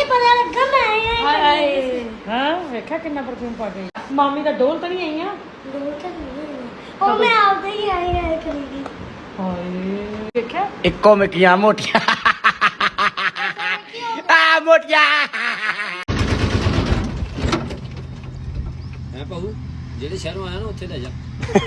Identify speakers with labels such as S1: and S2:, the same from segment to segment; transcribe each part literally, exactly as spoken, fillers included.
S1: ਪਤਾ ਲੱਗਾ ਮੈਂ
S2: ਹਾਏ ਹਾਂ ਵੇਖਿਆ ਕਿੰਨਾ ਪਰਫਿਊਮ ਪਾ ਗਈ ਮਾਮੀ ਦਾ ਡੋਲ ਤਾਂ ਨਹੀਂ ਆਈਆਂ
S1: ਡੋਲ ਤਾਂ ਨਹੀਂ ਉਹ ਮੈਂ ਆਪਦੇ ਹੀ ਆਈ ਆਈ ਕਰੀਗੀ
S2: ਹਾਏ ਵੇਖਿਆ
S3: ਇੱਕੋ ਮਿੱਕੀਆਂ ਮੋਟੀਆਂ ਆ ਮੋਟੀਆਂ
S4: ਹੈ ਭਾਊ ਜਿਹੜੇ ਸ਼ਹਿਰੋਂ ਆਇਆ ਨਾ ਉੱਥੇ ਲੈ ਜਾ।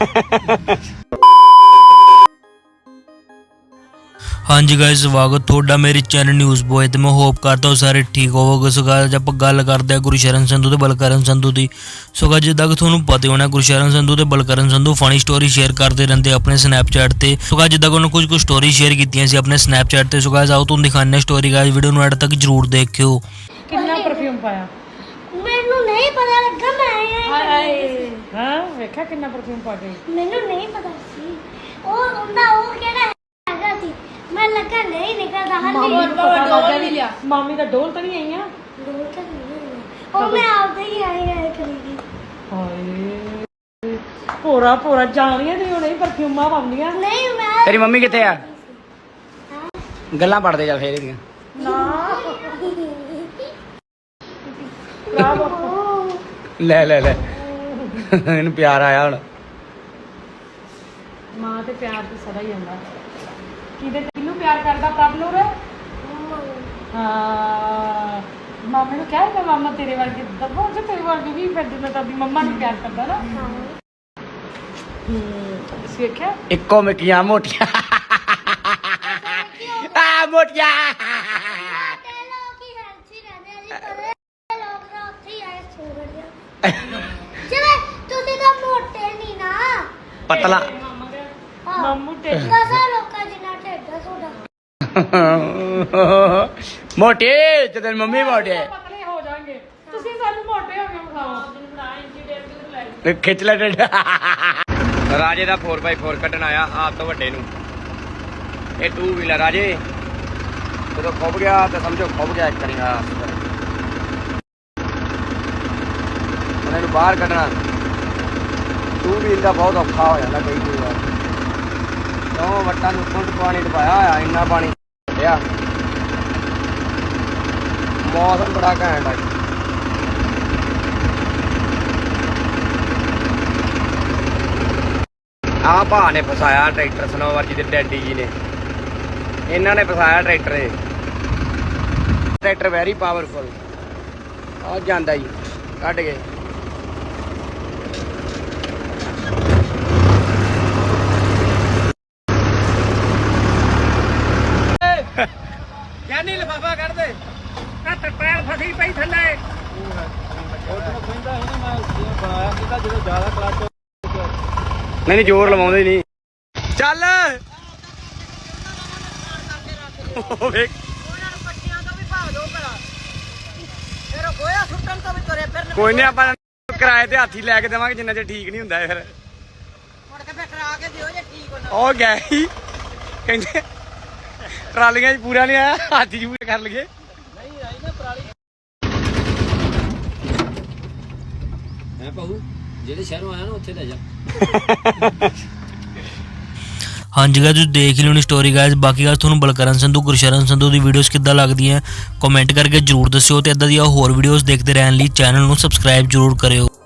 S5: ਹਾਂਜੀ ਗਾਇਸ ਸਵਾਗਤ ਤੁਹਾਡਾ ਮੇਰੇ ਚੈਨਲ ਨਿਊਜ਼ ਬੋਏ ਤੇ ਮੈਂ ਹੋਪ ਕਰਦਾ ਹਾਂ ਸਾਰੇ ਠੀਕ ਹੋਵੋਗੇ। ਸੋ ਗਾਇਸ ਆਪਾਂ ਗੱਲ ਕਰਦੇ ਹਾਂ ਗੁਰਸ਼ਰਨ ਸੰਧੂ ਤੇ ਬਲਕਰਨ ਸੰਧੂ ਦੀ। ਸੋ ਗਾਇਸ ਜਿੱਦਾਂ ਕਿ ਤੁਹਾਨੂੰ ਪਤਾ ਹੋਣਾ ਗੁਰਸ਼ਰਨ ਸੰਧੂ ਤੇ Balkaran Sandhu funny story share ਕਰਦੇ ਰਹਿੰਦੇ ਆਪਣੇ ਸਨੈਪਚੈਟ ਤੇ। ਸੋ ਗਾਇਸ ਜਿੱਦਾਂ ਕਿ ਉਹਨਾਂ ਕੁਝ ਕੁ ਸਟੋਰੀ ਸ਼ੇਅਰ ਕੀਤੀਆਂ ਸੀ ਆਪਣੇ ਸਨੈਪਚੈਟ ਤੇ। ਸੋ ਗਾਇਸ ਆਓ ਤੁਹਾਨੂੰ ਦਿਖਾਉਂਦੇ ਹਾਂ ਸਟੋਰੀ। ਗਾਇਸ ਵੀਡੀਓ ਨੂੰ ਐਡ ਤੱਕ ਜਰੂਰ ਦੇਖਿਓ।
S2: ਕਿੰਨਾ ਪਰਫਿਊਮ ਪਾਇਆ
S1: ਮੈਨੂੰ ਨਹੀਂ ਪਤਾ ਲੱਗਾ ਮੈਂ
S2: ਹਾਏ ਹਾਂ ਵੇਖਿਆ ਕਿੰਨਾ ਪਰਫਿਊਮ ਪਾ ਗਈ
S1: ਮੈਨੂੰ ਨਹੀਂ ਪਤਾ ਸੀ ਉਹ ਉਹਦਾ ਉਹ ਕਿਹੜਾ ਹੈਗਾ ਸੀ ਮੈਂ ਲੱਗਾ ਨਹੀਂ ਨਿਕਲਦਾ
S2: ਮਾਮੀ
S1: ਹਾਲੇ
S2: ਨੂੰ ਪਤਾ ਲੱਗਾ ਨਹੀਂ ਮਾਮੀ ਦਾ ਡੋਲ ਤਾਂ ਨਹੀਂ ਆਈਆਂ
S1: ਡੋਲ ਤਾਂ ਨਹੀਂ ਉਹ ਮੈਂ ਆਪਦੇ ਹੀ ਆਈ ਆਈ ਕਰੀਗੀ
S2: ਹਾਏ ਪੂਰਾ ਪੂਰਾ ਜਾਣੀਆਂ ਤੇ ਹੁਣੇ ਪਰਫਿਊਮਾਂ ਪਾਉਂਦੀਆਂ
S1: ਨਹੀਂ ਮੈਂ
S3: ਤੇਰੀ ਮੰਮੀ ਕਿੱਥੇ ਆ ਗੱਲਾਂ ਪੜਦੇ ਚੱਲ ਫੇਰ ਇਹਦੀਆਂ
S2: ਨਾ ਬਰਾਵੋ
S3: ਲੈ ਲੈ ਲੈ ਇਹਨੂੰ ਪਿਆਰ ਆਇਆ ਹੁਣ
S2: ਮਾਂ ਤੇ ਪਿਆਰ ਤੇ ਸਦਾ ਹੀ ਹੁੰਦਾ ਕਿਹਦੇ ਤੈਨੂੰ ਪਿਆਰ ਕਰਦਾ ਪ੍ਰਭ ਨੂਰ ਹਾਂ ਮਾਮੇ ਨੂੰ ਕਹਿ ਰਿਹਾ ਮਾਮਾ ਤੇਰੇ ਵਰਗੇ ਦੱਬੋ ਜੇ ਤੇਰੇ ਵਰਗੇ ਵੀ ਫਿਰ ਦਿਨ ਤਾਂ ਵੀ ਮੰਮਾ ਨੂੰ ਪਿਆਰ ਕਰਦਾ ਨਾ ਹੂੰ ਸਿੱਖਿਆ
S3: ਇੱਕੋ ਮਿੱਕੀਆਂ ਮੋਟੀਆਂ ਆ ਮੋਟੀਆਂ
S1: ਤੇ ਲੋਕ ਹੀ ਹੈਲਥੀ ਰਹਿੰਦੇ ਆ ਜੀ ਪਰ ਲੋਕ ਤਾਂ ਉੱਥੇ ਹੀ ਆਏ ਸੋ ਗਏ ਜਿਵੇਂ ਤੁਸੀਂ ਤਾਂ ਮੋਟੇ ਨਹੀਂ ਨਾ
S3: ਪਤਲਾ
S2: ਮਾਮੂ ਤੇ
S1: ਦਸਾਂ ਲੋਕਾਂ ਜਿੰਨਾ ਢਿੱਡ ਆ ਤੁਹਾਡਾ
S3: ਮੋਟੇ ਤੇ ਤੇਰੀ ਮੰਮੀ ਮੋਟੇ
S2: ਪਤਲੇ ਹੋ ਜਾਣਗੇ ਤੁਸੀਂ ਸਾਨੂੰ ਮੋਟੇ ਹੋ ਕੇ ਵਿਖਾਓ
S3: ਖਿੱਚ ਲੈ ਡੰਡਾ ਰਾਜੇ ਦਾ ਫੋਰ ਬਾਈ ਫੋਰ ਕੱਢਣ ਆਇਆ ਆਪ ਤੋਂ ਵੱਡੇ ਨੂੰ ਇਹ ਟੂ ਵੀਲਰ ਰਾਜੇ ਜਦੋਂ ਖੁੱਭ ਗਿਆ ਤਾਂ ਸਮਝੋ ਖੁੱਭ ਗਿਆ ਇੱਕ ਵਾਰੀ ਹਾਂ ਉਹਨਾਂ ਨੂੰ ਬਾਹਰ ਕੱਢਣਾ ਟੂ ਵੀਲ ਦਾ ਬਹੁਤ ਔਖਾ ਹੋ ਜਾਂਦਾ ਕਈ ਕਈ ਵਾਰ ਕਿਉਂ ਵੱਟਾਂ ਨੂੰ ਕੁੰਡ ਪਾਣੀ ਡੁਬਾਇਆ ਹੋਇਆ ਇੰਨਾ ਪਾਣੀ ਪਿਆ ਮੌਸਮ ਬੜਾ ਘੈਂਟ ਆ ਆਹ ਭਾ ਨੇ ਫਸਾਇਆ ਟਰੈਕਟਰ ਸਨੋਵਰ ਜੀ ਦੇ ਡੈਡੀ ਜੀ ਨੇ ਇਹਨਾਂ ਨੇ ਫਸਾਇਆ ਟਰੈਕਟਰ ਇਹ ਟਰੈਕਟਰ ਵੈਰੀ ਪਾਵਰਫੁਲ ਆ ਜਾਂਦਾ ਜੀ ਕੱਢ ਗਏ ਕਹਿੰਦੀ ਲਫਾਫਾ ਕੱਢ ਦੇ ਕੱਟ ਪੈਰ ਫਸੀ ਪਈ ਥੱਲੇ ਨਹੀਂ ਨਹੀਂ ਜ਼ੋਰ ਲਵਾਉਂਦੇ ਨਹੀਂ ਚੱਲ ਉਹ ਵੇਖ ਕੋਈ ਨਹੀਂ ਆਪਾਂ ਕਿਰਾਏ ਤੇ ਹਾਥੀ ਲੈ ਕੇ ਦੇਵਾਂਗੇ ਜਿੰਨਾ ਚਿਰ ਠੀਕ ਨਹੀਂ ਹੁੰਦਾ ਫਿਰ ਉਹ ਗਏ ਸੀ ਕਹਿੰਦੇ ਟਰਾਲੀਆਂ 'ਚ ਪੂਰਾ ਨਹੀਂ ਆਇਆ ਹਾਥੀ 'ਚ ਪੂਰਾ ਕਰ ਲਈਏ
S4: ਹੈ ਭਾਊ ਜਿਹੜੇ ਸ਼ਹਿਰੋਂ ਆਇਆ ਨਾ ਉੱਥੇ ਲੈ ਜਾ।
S5: ਹਾਂਜੀ ਗਾਇਸ ਤੁਸੀਂ ਦੇਖ ਲਿਓ ਨੀ ਸਟੋਰੀ ਗਾਇਸ। ਬਾਕੀ ਗੱਲ ਤੁਹਾਨੂੰ ਬਲਕਰਨ ਸੰਧੂ ਗੁਰਸ਼ਰਨ ਸੰਧੂ ਦੀ ਵੀਡੀਓਜ਼ ਕਿੱਦਾਂ ਲੱਗਦੀਆਂ ਕਮੈਂਟ ਕਰਕੇ ਜਰੂਰ ਦੱਸਿਓ ਤੇ ਇਦਾਂ ਦੀਆਂ ਹੋਰ ਵੀਡੀਓਜ਼ ਦੇਖਦੇ ਰਹਿਣ ਲਈ ਚੈਨਲ ਨੂੰ ਸਬਸਕ੍ਰਾਈਬ ਜਰੂਰ ਕਰਿਓ।